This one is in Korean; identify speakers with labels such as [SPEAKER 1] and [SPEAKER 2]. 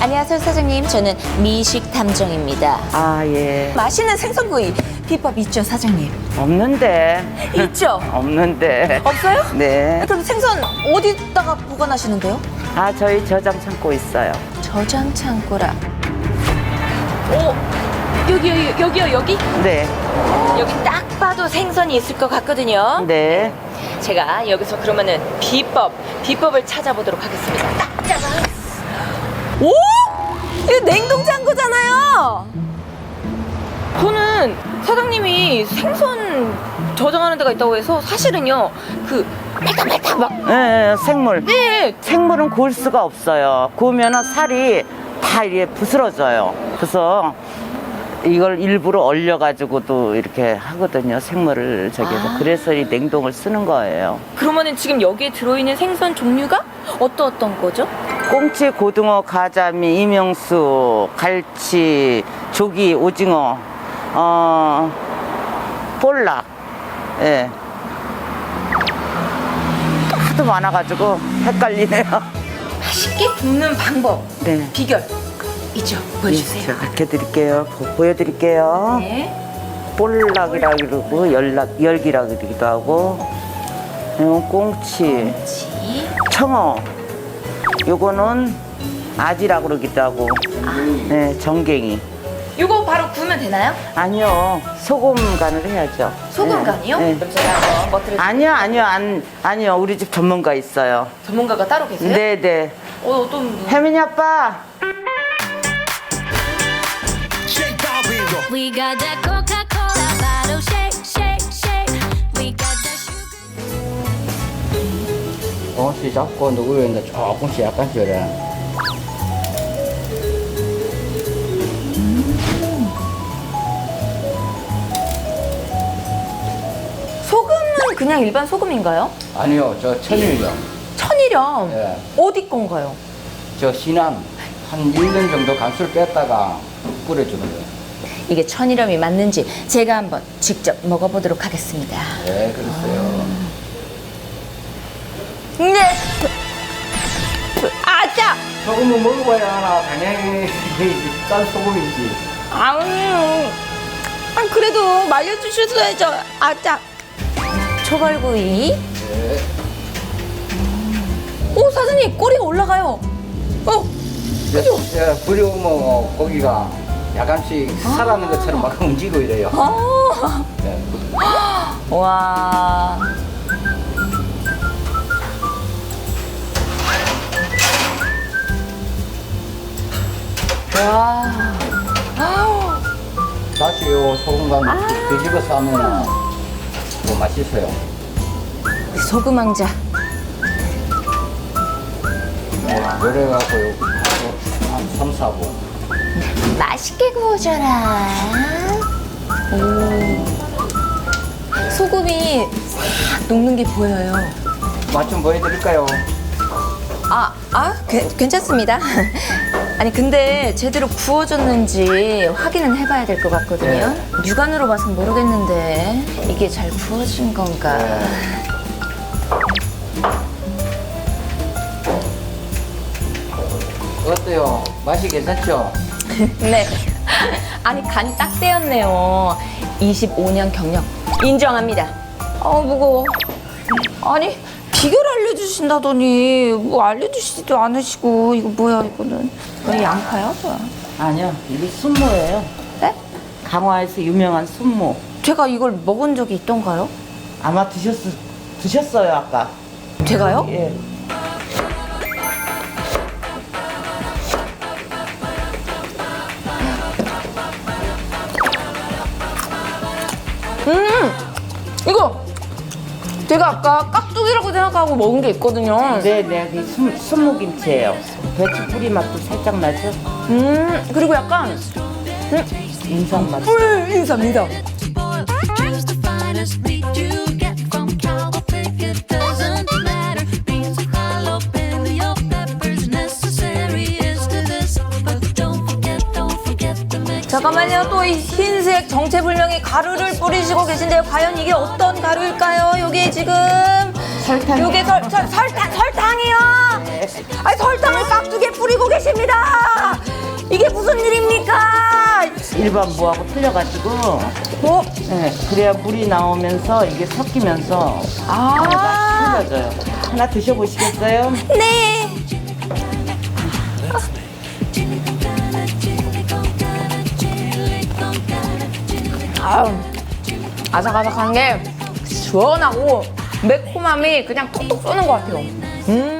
[SPEAKER 1] 안녕하세요, 사장님. 저는 미식 탐정입니다.
[SPEAKER 2] 아, 예.
[SPEAKER 1] 맛있는 생선구이 비법 있죠, 사장님?
[SPEAKER 2] 없는데.
[SPEAKER 1] 있죠?
[SPEAKER 2] 없는데.
[SPEAKER 1] 없어요?
[SPEAKER 2] 네.
[SPEAKER 1] 그럼 생선 어디다가 보관하시는데요?
[SPEAKER 2] 아, 저희 저장 창고 있어요.
[SPEAKER 1] 저장 창고라. 오, 여기요, 여기?
[SPEAKER 2] 네.
[SPEAKER 1] 여기 딱 봐도 생선이 있을 것 같거든요.
[SPEAKER 2] 네.
[SPEAKER 1] 제가 여기서 그러면은 비법을 찾아보도록 하겠습니다. 딱 짜잔. 오! 이거 냉동창고잖아요. 저는 사장님이 생선 저장하는 데가 있다고 해서 사실은요, 그 말다 막.
[SPEAKER 2] 네, 생물.
[SPEAKER 1] 네.
[SPEAKER 2] 생물은 구울 수가 없어요. 구우면은 살이 다 이렇게 부스러져요. 그래서 이걸 일부러 얼려가지고도 이렇게 하거든요. 생물을 저기서. 그래서 이 냉동을 쓰는 거예요.
[SPEAKER 1] 그러면은 지금 여기에 들어있는 생선 종류가 어떤 거죠?
[SPEAKER 2] 꽁치, 고등어, 가자미, 이명수, 갈치, 조기, 오징어, 볼락. 예. 하도 많아가지고 헷갈리네요.
[SPEAKER 1] 맛있게 굽는 방법,
[SPEAKER 2] 네.
[SPEAKER 1] 비결 있죠? 보여주세요.
[SPEAKER 2] 제가 가르쳐드릴게요. 보여드릴게요.
[SPEAKER 1] 네.
[SPEAKER 2] 볼락이라 그러고 열기라 그러기도 하고, 이건 꽁치, 청어, 요거는 아지라 그러기도 하고, 네, 정갱이.
[SPEAKER 1] 이거 바로 구우면 되나요?
[SPEAKER 2] 아니요, 소금 간을 해야죠.
[SPEAKER 1] 소금
[SPEAKER 2] 네.
[SPEAKER 1] 간이요?
[SPEAKER 2] 네.
[SPEAKER 1] 그럼 제가 한번 버터를.
[SPEAKER 2] 아니요, 우리 집 전문가 있어요.
[SPEAKER 1] 전문가가 따로 계세요?
[SPEAKER 2] 네네.
[SPEAKER 1] 어떤 분?
[SPEAKER 2] 혜민이 아빠.
[SPEAKER 3] We got that Coca-Cola bottle shake, shake, shake. We got that sugar.
[SPEAKER 4] 조금씩 잡고 누구였는데 조금씩 약간씩 그래.
[SPEAKER 1] 소금은 그냥 일반 소금인가요?
[SPEAKER 4] 아니요, 저 천일염.
[SPEAKER 1] 천일염.
[SPEAKER 4] 예.
[SPEAKER 1] 어디 건가요?
[SPEAKER 4] 저 신안 한 1년 정도 간수를 뺐다가 뿌려주는 거예요.
[SPEAKER 1] 이게 천일염이 맞는지 제가 한번 직접 먹어보도록 하겠습니다.
[SPEAKER 4] 네, 그랬어요.
[SPEAKER 1] 네. 아짜.
[SPEAKER 4] 소금을 먹어봐야 하나, 당연히 짠 소금이지.
[SPEAKER 1] 그래도 말려주셨어야죠. 아짜. 초벌구이.
[SPEAKER 4] 네.
[SPEAKER 1] 오, 사장님 꼬리가 올라가요. 그죠?
[SPEAKER 4] 예, 뿌려오면 고기가 약간씩 살아있는 것처럼 막 움직이고 이래요. 네.
[SPEAKER 1] 와. 와.
[SPEAKER 4] 다시 요 소금간 뒤집어서 하면 더 맛있어요.
[SPEAKER 1] 소금 왕자.
[SPEAKER 4] 네, 요래갖고 한 3, 4분.
[SPEAKER 1] 맛있게 구워줘라. 오. 소금이 싹 녹는 게 보여요.
[SPEAKER 4] 맛 좀 보여드릴까요?
[SPEAKER 1] 괜찮습니다. 아니, 근데 제대로 구워졌는지 확인은 해봐야 될 것 같거든요.
[SPEAKER 4] 네.
[SPEAKER 1] 육안으로 봐선 모르겠는데 이게 잘 구워진 건가.
[SPEAKER 4] 어때요? 맛이 괜찮죠?
[SPEAKER 1] 네. 아니, 간이 딱 떼었네요. 25년 경력 인정합니다. 무거워. 아니, 비결 알려주신다더니 뭐 알려주시지도 않으시고. 이거 뭐야, 이거는. 왜 양파야, 뭐야?
[SPEAKER 2] 아니요, 이게 순모예요.
[SPEAKER 1] 네?
[SPEAKER 2] 강화에서 유명한 순모.
[SPEAKER 1] 제가 이걸 먹은 적이 있던가요?
[SPEAKER 2] 아마 드셨어요, 아까.
[SPEAKER 1] 제가요?
[SPEAKER 2] 예.
[SPEAKER 1] 이거 제가 아까 깍두기라고 생각하고 먹은 게 있거든요.
[SPEAKER 2] 네네, 그 순모김치예요. 배추 뿌리 맛도 살짝 나죠?
[SPEAKER 1] 그리고 약간
[SPEAKER 2] 인상 맛.
[SPEAKER 1] 인삼이다.
[SPEAKER 3] Choose the finest meat you get from Calvo Pig. It doesn't matter. Beans or jalapeno peppers necessary is to this. But don't forget to mix.
[SPEAKER 1] 잠깐만요. 또 이 흰색 정체불명의 가루를 뿌리시고 계신데요. 과연 이게 어떤 가루일까요? 요게 지금
[SPEAKER 2] 설탕.
[SPEAKER 1] 요게 설탕이요. 아니, 설탕을 깍두기에 뿌리고 계십니다. 이게 무슨 일입니까?
[SPEAKER 2] 일반 무하고 틀려가지고
[SPEAKER 1] 어?
[SPEAKER 2] 네, 그래야 물이 나오면서 이게 섞이면서
[SPEAKER 1] 아,
[SPEAKER 2] 맛이 틀려져요. 하나 드셔보시겠어요?
[SPEAKER 1] 네. 아유, 아삭아삭한 게 시원하고 매콤함이 그냥 톡톡 쏘는 것 같아요.